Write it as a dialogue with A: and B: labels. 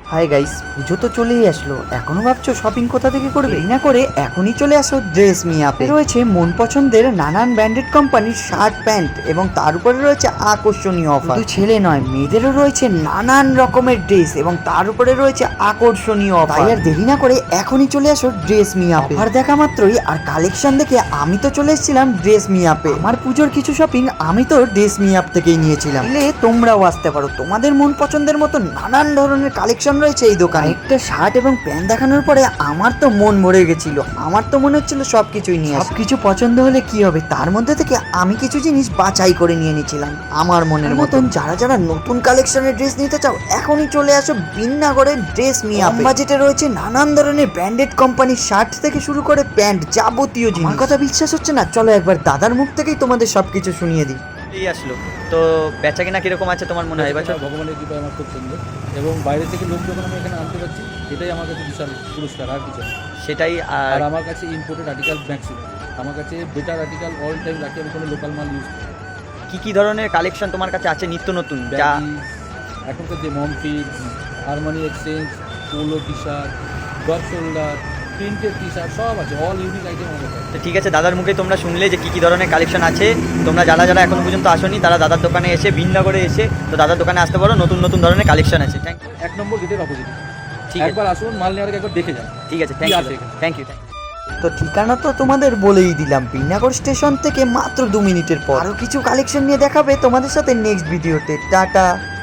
A: Hi guys, পুজো তো চলেই আসলো, এখনো ভাবছো শপিং কোথা থেকে করবে? না করে এখনই চলে আসো ড্রেস মি আপে। রয়েছে মন পছন্দের নানান ব্র্যান্ডেড কোম্পানির শার্ট প্যান্ট এবং তার উপরে রয়েছে আকর্ষণীয় অফার। শুধু ছেলে নয়, মেয়েদেরও রয়েছে নানান রকমের ড্রেস এবং তার উপরে রয়েছে আকর্ষণীয় অফার। তাই আর দেরি না করে এখনই চলে আসো ড্রেস মি আপে। অফার দেখা মাত্রই আর কালেকশন দেখে আমি তো চলে এসেছিলাম ড্রেস মি আপে। আমার পুজোর কিছু শপিং আমি তো ড্রেস মি আপ থেকেই নিয়েছিলাম। তোমরাও আসতে পারো, তোমাদের মন পছন্দের মতো নানান ধরনের কালেকশন রয়েছে এই দোকানে। একটা শার্ট এবং প্যান্ট দেখানোর পরে আমার তো মন ভরে গেছিল, আমার তো মনে হচ্ছিল সবকিছুই নিয়ে সবকিছু পছন্দ হলে কি হবে, তার মধ্যে থেকে আমি কিছু জিনিস বাছাই করে নিয়ে নিয়েছিলাম আমার মনের মতন। যারা যারা নতুন কালেকশনের ড্রেস নিতে চাও এখনই চলে আসো বিন্নাগড়ের ড্রেস মি আপে। বাজেটে রয়েছে নানান ধরনের ব্র্যান্ডেড কোম্পানির শার্ট থেকে শুরু করে প্যান্ট, যাবতীয় জিনিস। আমার কথা বিশ্বাস হচ্ছে না? চলো একবার দাদার মুখ থেকেই তোমাদের সবকিছু শুনিয়ে দিই।
B: এই আসলো তো বেচা কিনা কিরকম আছে তোমার মনে হয় এবছর?
C: ভগবানের কৃপায় আমার খুব সুন্দর, এবং বাইরে থেকে লোক যখন আমি এখানে আনতে পারছি এটাই আমার কাছে বিশাল পুরস্কার, আর কিছু না।
B: সেটাই।
C: আর আমার কাছে ইম্পোর্টেড আর্টিকেল ম্যাক্সিমাম, আমার কাছে বেটার আর্টিকেল অল টাইম রাখি, আমি কোনো লোকাল মাল ইউজ করি।
B: কি কি ধরনের কালেকশন তোমার কাছে আছে নিত্য নতুন যা
C: এখনকার যে মমফিট, harmony exchange, polo T shirt, drop shoulder, printed T shirt সব আছে, অল ইউনিক আইটেম আমার কাছে।
B: তো ঠিক আছে, দাদার মুখে তোমরা শুনলে যে কি কি ধরনের কালেকশন আছে। তোমরা যারা যারা এখন পর্যন্ত আসোনি তারা দাদার দোকানে এসে ভিন্নগরে এসে তো দাদার দোকানে আসতে পারো, নতুন নতুন ধরনের কালেকশন আছে। Thank you.
C: 1 নম্বর গেটের অপোজিট।
B: ঠিক আছে,
C: একবার আসুন, মাল নেওয়ার আগে একবার দেখে যান।
B: ঠিক আছে,
C: কি আছে এখানে।
B: Thank you.
A: তো ঠিকানা তো তোমাদের বলেই দিলাম, বিন্নাগর স্টেশন থেকে মাত্র 2 মিনিটের পর। আরো কিছু কালেকশন নিয়ে দেখাবে তোমাদের সাথে নেক্সট ভিডিওতে। টাটা।